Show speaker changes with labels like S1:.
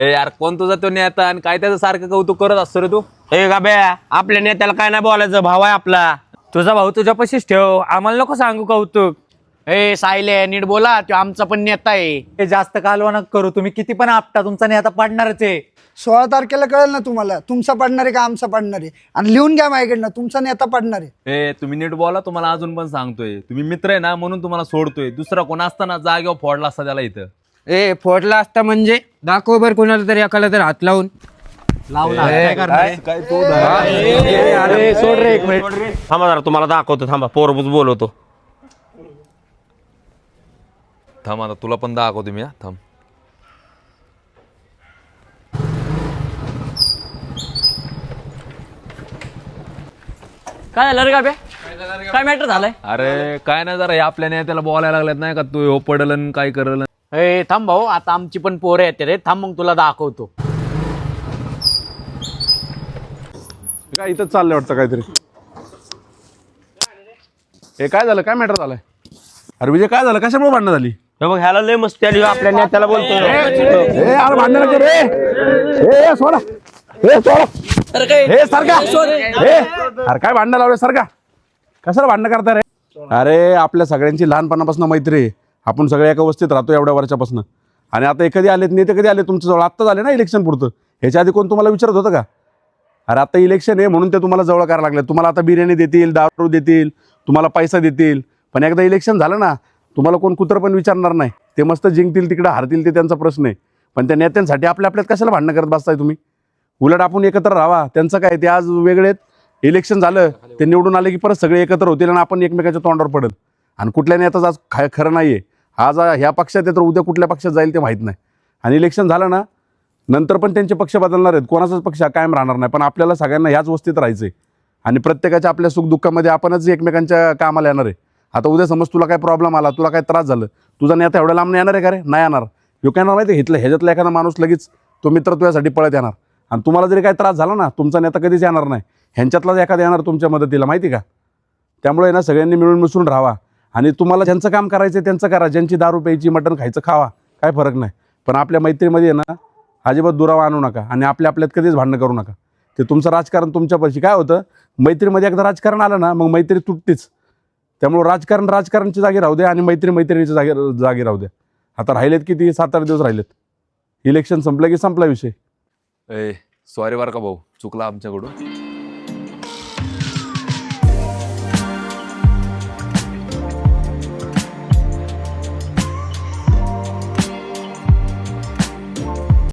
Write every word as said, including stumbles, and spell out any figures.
S1: ए यार कोण तुझा तो नेता आणि काय त्याचं सारखं कौतुक करत असतो रे तू?
S2: ए गाब्या, आपल्या नेत्याला काय नाही बोलायचं, भाव आहे आपला.
S3: तुझा भाऊ तुझ्या पशीच ठेव, आम्हाला नको सांगू कौतुक.
S4: ए सायले नीट बोला, तो आमचा पण नेता आहे.
S5: हे जास्त कालवा नका करू, तुम्ही किती पण आपटा तुमचा नेता पडणारच आहे.
S6: सोळा तारखेला कळेल ना तुम्हाला तुमचा पडणार आहे का आमचा पडणार आहे. आणि लिहून घ्या माझ्याकडनं, तुमचा नेता पडणार आहे.
S1: ए तुम्ही नीट बोला, तुम्हाला अजून पण सांगतोय. तुम्ही मित्र आहे ना म्हणून तुम्हाला सोडतोय. दुसरा कोण असताना जागेवर फोडला असता त्याला इथं.
S3: ए फोडला असता म्हणजे दाखव बर कोणाला तरी एकाला तरी हात लावून.
S2: अरे सोड रे एक मिनिट थांबा जरा, तुम्हाला दाखवतो. थांबा, पोरबूज बोलवतो.
S1: थांब आता तुला पण दाखवतो मी. हा थांब.
S4: काय झालं रे गाब्या? काय मॅटर झालंय?
S1: अरे काय नाही जरा हे आपल्या नेत्याला बोलायला लागलेत नाही का, तू हो पडलन काय करल.
S4: ए थांब भाऊ, आता आमची पण पोरं येते रे. थांब मग तुला दाखवतो.
S7: काय इथं चाललंय वाटतं काहीतरी. हे काय झालं, काय मॅटर झालंय? अरे विजय काय झालं, कशामुळे भांडणं झाली?
S2: हे बघ, ह्याला लय मस्ती आली, आपल्या नेत्याला बोलतो.
S7: ए यार भांडण नका रे. ए ए, सोडा ए सोडा हे सारखा ए अरे काय भांडणं लावले सारखा, कशाला भांडणं करता रे? अरे आपल्या सगळ्यांची लहानपणापासून मैत्री आहे. आपण सगळे एका वस्तीत राहतो एवढ्या वर्षापासून. आणि आता कधी आलेत नेते, कधी आले तुमच्या जवळ? आत्ता झाले ना इलेक्शन पुरतं. ह्याच्या आधी कोण तुम्हाला विचारत होतं का? अरे आता इलेक्शन आहे म्हणून ते तुम्हाला जवळ करायला लागले. तुम्हाला आता बिर्याणी देतील, दारू देतील, तुम्हाला पैसा देतील. पण एकदा इलेक्शन झालं ना, तुम्हाला कोण कुत्र पण विचारणार नाही. ते मस्त जिंकतील, तिकडे हारतील, ते त्यांचा प्रश्न आहे. पण त्या नेत्यांसाठी आपल्या आपल्यात कशाला भांडणं करत बसताय तुम्ही? उलट आपण एकत्र राहावा. त्यांचं काय, ते आज वेगळेत, इलेक्शन झालं ते निवडून आले की परत सगळे एकत्र होतील आणि आपण एकमेकाच्या तोंडावर पडेल. आणि कुठल्या नेत्याचं आज खा खरं नाही आहे. आज ह्या पक्षात आहे तर उद्या कुठल्या पक्षात जाईल ते माहीत नाही. आणि इलेक्शन झालं ना नंतर पण त्यांचे पक्ष बदलणार आहेत. कोणाचाच पक्ष कायम राहणार नाही. पण आपल्याला सगळ्यांना ह्याच वस्तीत राहायचं आहे. आणि प्रत्येकाच्या आपल्या सुखदुःखामध्ये आपणच एकमेकांच्या कामाला येणार आहे. आता उद्या समज तुला काय प्रॉब्लेम आला, तुला काय त्रास झालं, तुझा नेता एवढ्या लांब येणार आहे का रे? नाही येणार. यो काय येणार माहिती आहे, इथलं ह्याच्यातला एखादा माणूस लगेच तो मित्र तुझ्यासाठी पळत येणार. आणि तुम्हाला जरी काय त्रास झाला ना, तुमचा नेता कधीच येणार नाही. ह्यांच्यातलाच एखादा येणार तुमच्या मदतीला, माहिती का? त्यामुळे ना सगळ्यांनी मिळून मिसळून राहावा. आणि तुम्हाला ज्यांचं काम करायचं आहे त्यांचं करा. ज्यांची दारू प्यायची, मटण खायचं खावा, काय फरक नाही. पण आपल्या मैत्रीमध्ये ना अजिबात दुरावा आणू नका. आणि आपल्या आपल्यात कधीच भांडणं करू नका. ते तुमचं राजकारण तुमच्यापाशी काय होतं, मैत्रीमध्ये एकदा राजकारण आलं ना मग मैत्री तुटतेच. त्यामुळे राजकारण राजकारणची जागी राहू द्या आणि मैत्री मैत्रिणीच्या जागी जागी राहू द्या. आता राहिलेत किती, सात आठ दिवस राहिलेत. इलेक्शन संपलं की संपला विषय.
S1: ए सॉरी बरं का भाऊ, चुकला आमच्याकडून.